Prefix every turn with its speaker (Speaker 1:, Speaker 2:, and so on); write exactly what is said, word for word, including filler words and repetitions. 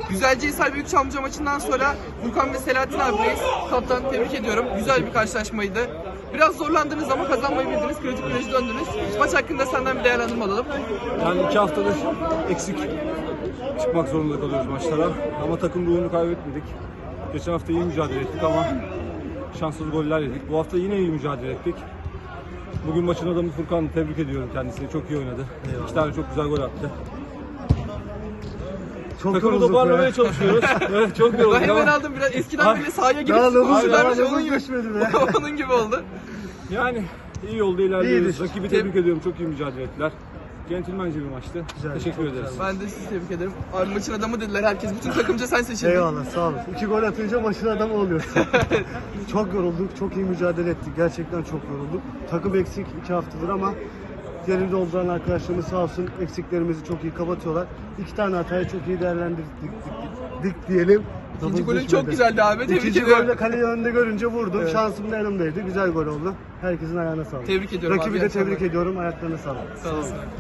Speaker 1: Güzelcehisar Büyükçamlıca maçından sonra Furkan ve Selahattin abileyiz. Kaptan, tebrik ediyorum. Güzel bir karşılaşmaydı. Biraz zorlandınız ama kazanmayı bildiniz. Kritik güneşe döndünüz. Maç hakkında senden bir değerlendirme alalım.
Speaker 2: Yani iki haftadır eksik çıkmak zorunda kalıyoruz maçlara. Ama takım ruhunu kaybetmedik. Geçen hafta iyi mücadele ettik ama şanssız goller yedik. Bu hafta yine iyi mücadele ettik. Bugün maçın adamı Furkan, tebrik ediyorum kendisini. Çok iyi oynadı. Eyvallah. İki tane çok güzel gol attı.
Speaker 3: Çok
Speaker 2: Takımı
Speaker 3: yorulduk
Speaker 2: toparlamaya
Speaker 3: ya.
Speaker 2: çalışıyoruz. Evet, çok yorulduk
Speaker 1: Ben hemen
Speaker 2: ama
Speaker 1: aldım biraz. Eskiden bile sahaya girip
Speaker 3: Ya
Speaker 1: skoru
Speaker 3: nabız-
Speaker 1: sürermiş.
Speaker 3: ya
Speaker 1: Onun
Speaker 3: nabız
Speaker 1: gibi,
Speaker 3: düşmedi be.
Speaker 1: onun gibi oldu.
Speaker 2: yani iyi yolda ilerliyoruz.
Speaker 3: İyidir.
Speaker 2: Rakibi tebrik ediyorum. Çok iyi mücadele ettiler. Centilmence bir maçtı.
Speaker 3: Güzel,
Speaker 2: Teşekkür
Speaker 3: çok
Speaker 2: ederiz.
Speaker 3: güzel.
Speaker 1: Ben de sizi tebrik ederim. Abi maçın adamı dediler herkes. Bütün takımca sen seçildin.
Speaker 3: Eyvallah, sağ olun. İki gol atınca maçın adamı oluyorsun. Çok yorulduk, çok iyi mücadele ettik. Gerçekten çok yorulduk. Takım eksik iki haftadır ama yerinde olduran arkadaşlarımız sağ olsun eksiklerimizi çok iyi kapatıyorlar. İki tane hatayı çok iyi değerlendirdik dik, dik diyelim.
Speaker 1: İkinci
Speaker 3: Nabız
Speaker 1: golün
Speaker 3: düşmedi.
Speaker 1: çok güzeldi abi. Tebrik
Speaker 3: İkinci
Speaker 1: ediyorum.
Speaker 3: golde kaleyi önde görünce vurdum.
Speaker 1: Evet.
Speaker 3: Şansım da yanımdaydı. Güzel gol oldu. Herkesin ayağına sağlık.
Speaker 1: Tebrik ediyorum
Speaker 3: Rakibi
Speaker 1: abi,
Speaker 3: de
Speaker 1: iyi akşamlar.
Speaker 3: tebrik ediyorum. Ayaklarına sağlık.
Speaker 1: Sağ olun.